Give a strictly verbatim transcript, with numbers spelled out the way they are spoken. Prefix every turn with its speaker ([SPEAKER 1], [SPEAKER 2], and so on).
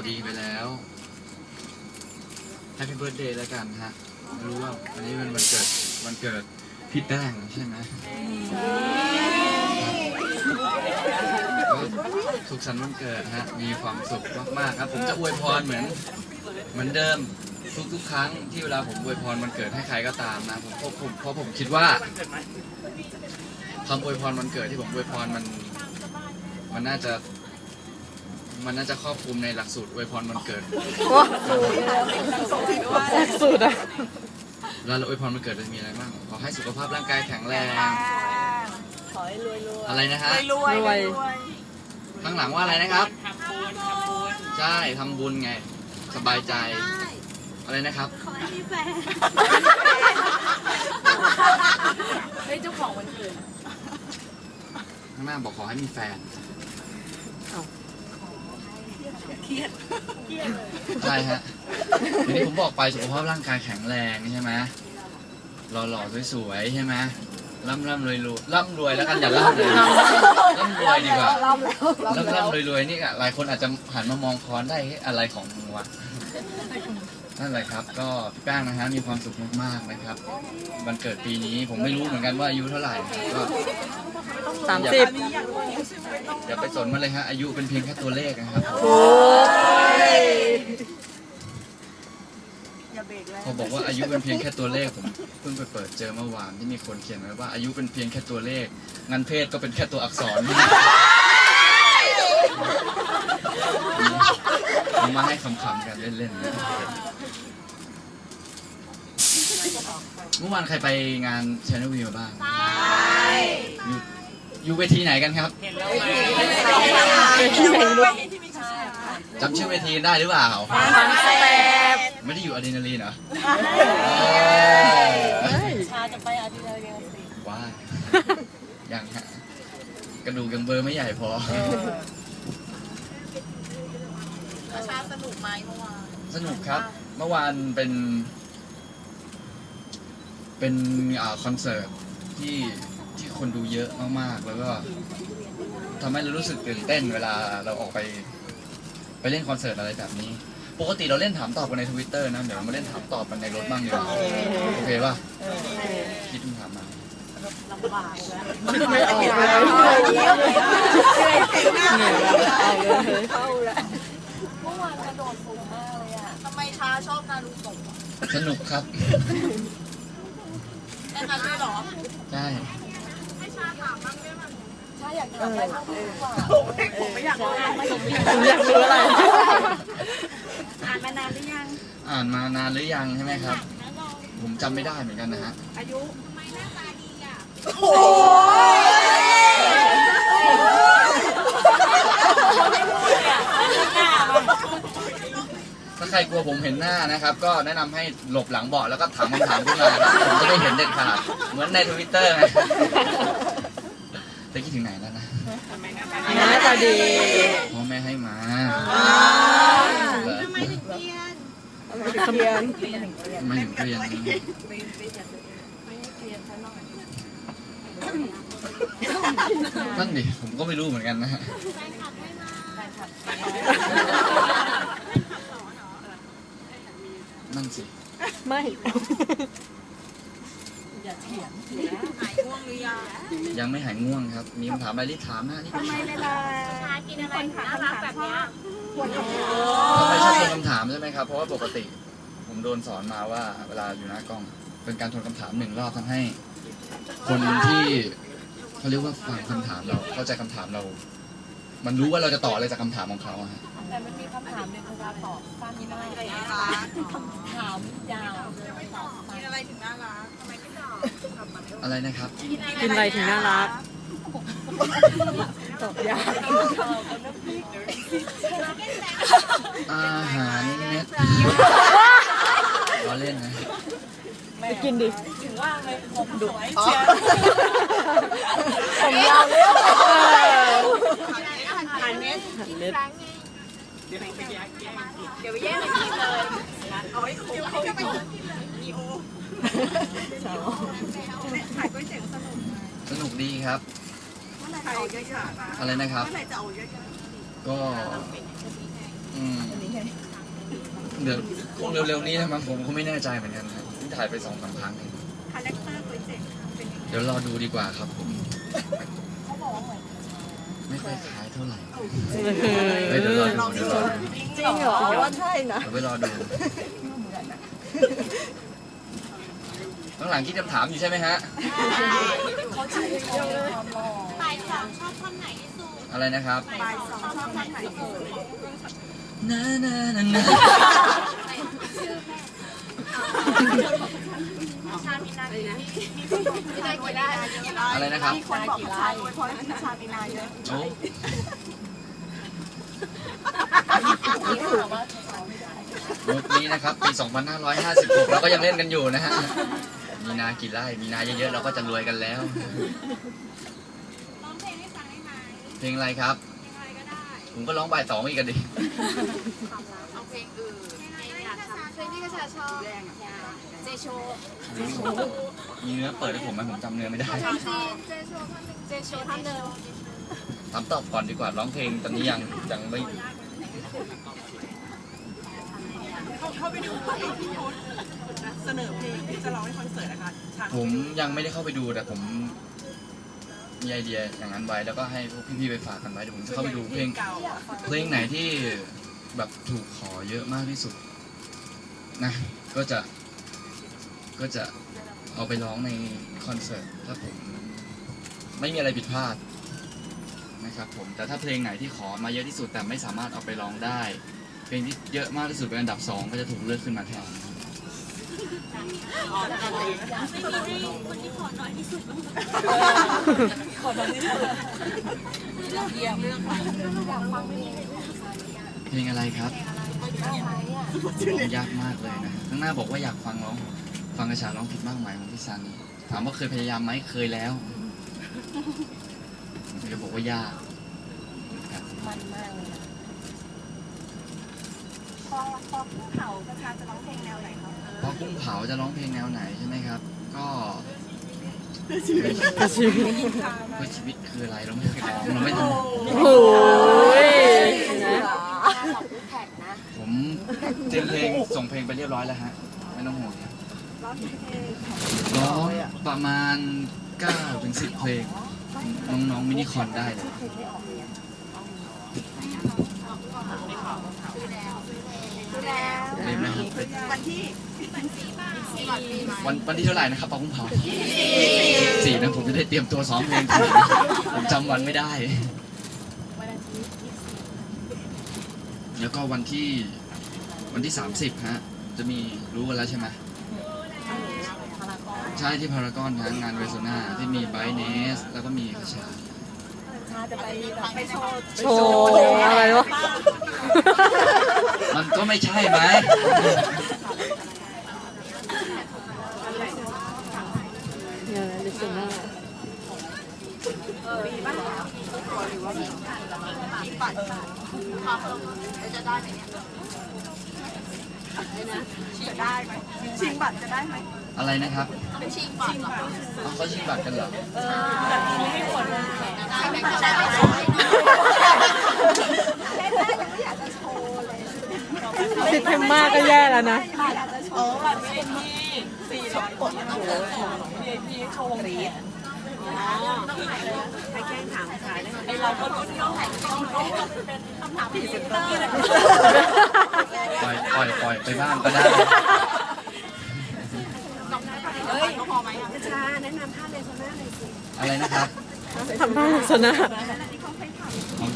[SPEAKER 1] ดีไปแล้วแฮปปี้เบิร์ธเดย์แล้วกันฮะไม่รู้ว่าวันนี้เป็นวันเกิดวันเกิดพี่แป้งใช่ไหมสุขสันต์วันเกิดฮะมีความสุขมากๆครับผมจะอวยพรเหมือนเหมือนเดิมทุกๆครั้งที่เวลาผมอวยพรวันเกิดให้ใครก็ตามนะผมผมเพราะผมคิดว่าคำอวยพรวันเกิดที่ผมอวยพรมันมันน่าจะมันน่าจะครอบคลุมในหลักสูตรอวยพรวันเกิด
[SPEAKER 2] หลักสูตรอะ
[SPEAKER 1] แล้วเราอวยพรวันเกิดจะมีอะไรบ้างขอให้สุขภาพร่างกายแข็งแรง
[SPEAKER 3] ขอให้รวยรวย
[SPEAKER 1] อะไรนะฮะ
[SPEAKER 3] รวยรวย
[SPEAKER 1] ข้างหลังว่าอะไรนะครับใช่ทำบุญไงสบายใจอะไรนะครับ
[SPEAKER 3] ขอให้มีแฟนเฮ้ยเจ้าของวันเกิด
[SPEAKER 1] ข้างหน้าบอกขอให้มีแฟน
[SPEAKER 3] เครียดเครียด
[SPEAKER 1] ใช่ฮะทีนี้ผมบอกไปสุขภาพร่างกายแข็งแรงใช่ไหมหล่อๆสวยๆใช่ไหมร่ำร่ำรวยรวยร่ำรวยแล้วกันอย่าร่ำเลยร่ำรวยดีกว่าร่ำร่ำรวยรวยนี่หลายคนอาจจะหันมามองคอนได้อะไรของมึงวะนั่นแหละครับก็พี่แป้งนะฮะมีความสุขมากๆนะครับวันเกิดปีนี้ผมไม่รู้เหมือนกันว่าอายุเท่าไหร่ก็
[SPEAKER 2] สามสิบ
[SPEAKER 1] อย่าไปสนมันเลยฮะอายุเป็นเพียงแค่ตัวเลขนะครับพอบอกว่าอายุเป็นเพียงแค่ตัวเลขผมเพิ่งไปเปิดเจอเมื่อวานที่มีคนเขียนไว้ว่าอายุเป็นเพียงแค่ตัวเลขงั้นเพศก็เป็นแค่ตัวอักษรเอามาให้ขำๆกันเล่นๆเมื่อวานใครไปงาน Channel V มาบ้างอยู่อยู่เวทีไหนกันครับจำชื่อเวทีได้หรือเปล่าไม่ได้อยู่อะดรีนาลีนเหรอ
[SPEAKER 3] ชาจะไปอะดรีนาลีนสิ
[SPEAKER 1] ว้ายังฮะกระดูกยังเบอร์ไม่ใหญ่พอ
[SPEAKER 3] ชาสนุกไหมเมื่อวาน
[SPEAKER 1] สนุกครับเมื่อวานเป็นเป็นคอนเสิร์ตที่ที่คนดูเยอะมากๆแล้วก็ทำให้เรารู้สึกตื่นเต้นเวลาเราออกไปไปเล่นคอนเสิร์ตอะไรแบบนี้ปกติเราเล่นถามตอบกันใน ทวิตเตอร์ นะเดี๋ยวเรามาเล่นถามตอบกันในรถบ้างดีกว่าโอเคป่ะคิดคำถามมา
[SPEAKER 3] ลำบากแล้ว
[SPEAKER 2] ไม่ออกเลย
[SPEAKER 3] เหนื่อยแล้วเข้าแล้วเมื่อวานกระโดดสูงมากเลยอ่ะทำไมชาชอบนารูโตะ
[SPEAKER 1] สนุกครับ
[SPEAKER 3] แน่นอนด้วยหรอ
[SPEAKER 1] ใช่
[SPEAKER 3] ให้ชาถามบ้างได้ไหมชาอยากถามอะไรบ้างดีกว่าผมไม่อยากรู้ไม่
[SPEAKER 2] อยากรู้อะไร
[SPEAKER 3] อ่านมานานหรือยัง
[SPEAKER 1] อ่านมานานหรือยังใช่ไหมครับผมจำไม่ได้เหมือนกันนะฮะ
[SPEAKER 3] อายุทำไมหน้าตาดีอ่ะโ
[SPEAKER 1] ถ้าใครกลัวผมเห็นหน้านะครับก็แนะนำให้หลบหลังเบาะแล้วก็ถามคำถามขึ้นมาผมจะได้เห็นเด็ดขาดเหมือนในทวิตเตอร์ไงจะคิดถึงไหนแล้วนะ
[SPEAKER 2] หน้าตาดี
[SPEAKER 1] พ่อแม่ให้มา
[SPEAKER 3] ทำไมถึงเรียน
[SPEAKER 2] ทำไมถึง
[SPEAKER 1] เรียนไม่ถึงเรียนนั่นดิผมก็ไม่รู้เหมือนกันนะฮะนั่นสิ
[SPEAKER 2] ไม่
[SPEAKER 3] อย่าเถียงหายง่วงหรือยัง
[SPEAKER 1] ยังไม่หายง่วงครับมีคำถามอะไรที่ถามนะนี่
[SPEAKER 3] ทำไมเวลาชากินอะไรน่ารักแบบนี้
[SPEAKER 1] ทำไมชอบทวนคำถามใช่ไหมครับเพราะว่าปกติผมโดนสอนมาว่าเวลาอยู่หน้ากล้องเป็นการทวนคำถามหนึ่งรอบทำให้คนที่เขาเรียกว่าฟังคำถามเราเข้าใจคำถามเรามันรู้ว่าเราจะตอบอะไรจากคำถามของเขาฮะ
[SPEAKER 3] แต่มันมีคำถามหนึ่งเวลาตอบสั้นมากเลยคำถามยาวกินอะไรถึงน่ารักทำไมไม่ตอบ
[SPEAKER 1] อะไรนะครับ
[SPEAKER 2] กินอะไรถึงน่ารักตอบยาว
[SPEAKER 1] อาหารเม็ดล้อเล่นนะ
[SPEAKER 2] ไปกินดิ
[SPEAKER 3] ถึงว่าเลยผมดุเชียวผมยาวเลยอาหารเม็ดกินครั้งไงเดี๋ยวไปแย่งเดี๋ยวไปแย่งกินเลยเอาไว้คุ้มเขาไปกินมีโอถ่ายก๋วยเตี๋ยวสนุก
[SPEAKER 1] สนุกดีครับอะไรนะครับก็อืมเดี๋ยวคงเร็วๆนี้นะมั้งผมก็ไม่แน่ใจเหมือนกันครับที่ถ่ายไปสองสามครั้งเอง
[SPEAKER 3] คาแรคเตอร์โปรเจกต์เป็นยังไง
[SPEAKER 1] เดี๋ยวรอดูดีกว่าครับผม
[SPEAKER 3] เขาบอกว่าเหมือน
[SPEAKER 1] ไม่ค่อยคล้ายเท่าไหร่
[SPEAKER 2] เอ
[SPEAKER 1] เฮ้ยเดี๋ยวรอดู
[SPEAKER 2] อ
[SPEAKER 1] เดี๋ยวรอดู
[SPEAKER 3] จริงเหรอว่าใช่นะ
[SPEAKER 1] เดี๋ยวไปรอดูข้างหลังคิดคำถามอยู่ใช่ไหมฮะ
[SPEAKER 3] เขาชื่นชมความหล่อ
[SPEAKER 4] บ่ายสองชอบท่อนไหนที่สุด
[SPEAKER 1] อะไรนะครับ
[SPEAKER 3] บ่ายสองชอบท่านไหนเอ่ย
[SPEAKER 1] นานานานา
[SPEAKER 4] ชามีนากี่มีนากี่ได้
[SPEAKER 1] อะไรนะครับ
[SPEAKER 3] มีคนบอกผู้ชายอวยพรให้พี่ชามีนาเยอะ
[SPEAKER 1] โอ้ มุกนี้นะครับปี สองพันห้าร้อยห้าสิบหก เราก็ยังเล่นกันอยู่นะฮะ มีนากี่ไร่ มีนาเยอะๆเราก็จะรวยกันแล้ว
[SPEAKER 4] ร้องเพลงให้ฟังได้ไหม
[SPEAKER 1] เพลงอะไรครับ
[SPEAKER 4] เพลงอะไรก็ได้
[SPEAKER 1] ผมก็ร้องบ่ายสองอีกกันดิ
[SPEAKER 4] เอาเพลงอื่นเพลงอยากทำเพลงที่กระชาชอบเจโช
[SPEAKER 1] มีเนื้อเปิดให้ผมไหมผมจำเนื้อไม่ได้
[SPEAKER 4] เพลงจีนเจโชท่อนหนึ่งเจโชท่อนหนึ่ง
[SPEAKER 1] ถามตอบก่อนดีกว่า ร้องเพลงตอนนี้ยังยังไม่
[SPEAKER 3] เข้าไปดูเพลงที่พุทธเสนอเพลงที่จะร้องในคอนเสิร์ตนะคะฉาก
[SPEAKER 1] ผมยังไม่ได้เข้าไปดูแต่ผมมีไอเดียอย่างนั้นไว้แล้วก็ให้พวกพี่ๆไปฝากกันไว้เดี๋ยวผมจะเข้าไปดูเพลง
[SPEAKER 3] เก่าอะ
[SPEAKER 1] เพลงไหนที่แบบถูกขอเยอะมากที่สุดนะก็จะก็จะเอาไปร้องในคอนเสิร์ตถ้าผมไม่มีอะไรผิดพลาดนะครับผมแต่ถ้าเพลงไหนที่ขอมาเยอะที่สุดแต่ไม่สามารถเอาไปร้องได้ เพลงที่เยอะมากที่สุดเป็นอันดับสองก็จะถูกเลือกขึ้นมาแทน
[SPEAKER 4] คนที่ขอน้อยที่สุด
[SPEAKER 3] ขอโทษที่สุดเยี่ยมเรื่องอะไร
[SPEAKER 1] เพลงอะไรครับร้องยากมากเลยนะข้างหน้าบอกว่าอยากฟังร้องฟังกระชาร้องผิดมากมายของพี่ซันนี่ถามว่าเคยพยายามไหมเคยแล้วผมจะบอกว่ายากครับ
[SPEAKER 3] มันมากเลยนะพอพอผู้เผากระชาจะร้องเพลงแนวไหนคะ
[SPEAKER 1] พอกุ้งเผาจะร้องเพลงแนวไหนใช่ไหมครับ ก็
[SPEAKER 2] กระชีวิต
[SPEAKER 1] เพื่อชีวิตคืออะไรเราไม่เคยร้องเราไม่ท
[SPEAKER 2] โอ้ยนะ
[SPEAKER 1] ำผมเตรียมเพลงส่งเพลงไปเรียบร้อยแล้วฮะไม่ต้องห่วงครับ
[SPEAKER 3] ร้องเพลง
[SPEAKER 1] ร้องประมาณเก้าถึงสิบเพลงน้องๆมินิคอนได้เลยเล่นไหมครับ
[SPEAKER 3] วันที่
[SPEAKER 1] วันวันที่เท่าไหร่นะครับปอกุ้งเผาสี่นะผมจะได้เตรียมตัวซ้อมเพลงถูกผมจำวันไม่ได้ แล้วก็วันที่วันที่สามสิบฮะจะมีรู้กันแล้วใช่ไหมใช่ที่พารากอนนะงานเวโซนาที่มีไบเนสแล้วก็มีคาชา
[SPEAKER 3] ชาจะไปไปโชว์
[SPEAKER 2] โชว์อะไรวะ
[SPEAKER 1] มันก็ไม่ใช่ไหม
[SPEAKER 2] เนี่ยลิซ่า
[SPEAKER 4] จะได้ไหมเนี่ย
[SPEAKER 3] จะได้ไหมชิงบัตรจะได้ไหม
[SPEAKER 1] อะไรนะครับ
[SPEAKER 4] เป็นชิงก่อนเหรอ
[SPEAKER 1] เอาเขาชิงบัตรกันเหรอ
[SPEAKER 3] แบบนี้ไม่ควรเลย
[SPEAKER 4] ได้ไหมก็ได้ไม่ใช่
[SPEAKER 3] แค่แรกยังไม่อยากจะโชว์เลย
[SPEAKER 2] ติดเทมมากก็แย่แล้วนะ
[SPEAKER 3] อยากจะโชว์แบบนี้สี่ร้อยคนต้องเจอของ วี ไอ พี โชว์วงแขนให้แกล้งถามขายได้ไอเราก็รู้ที่ต้องถ่ายต้องเป็นคำถามพรีเซนเตอร์เลย
[SPEAKER 1] ปล่อยปล่อยปล่อยไปบ้างก็ได้
[SPEAKER 3] เฮ้ยพอไหมชาแนะนำท่าเลโซน่าหน่อยสิ
[SPEAKER 1] อะไรนะครับ
[SPEAKER 2] ทำท่าลักษณะ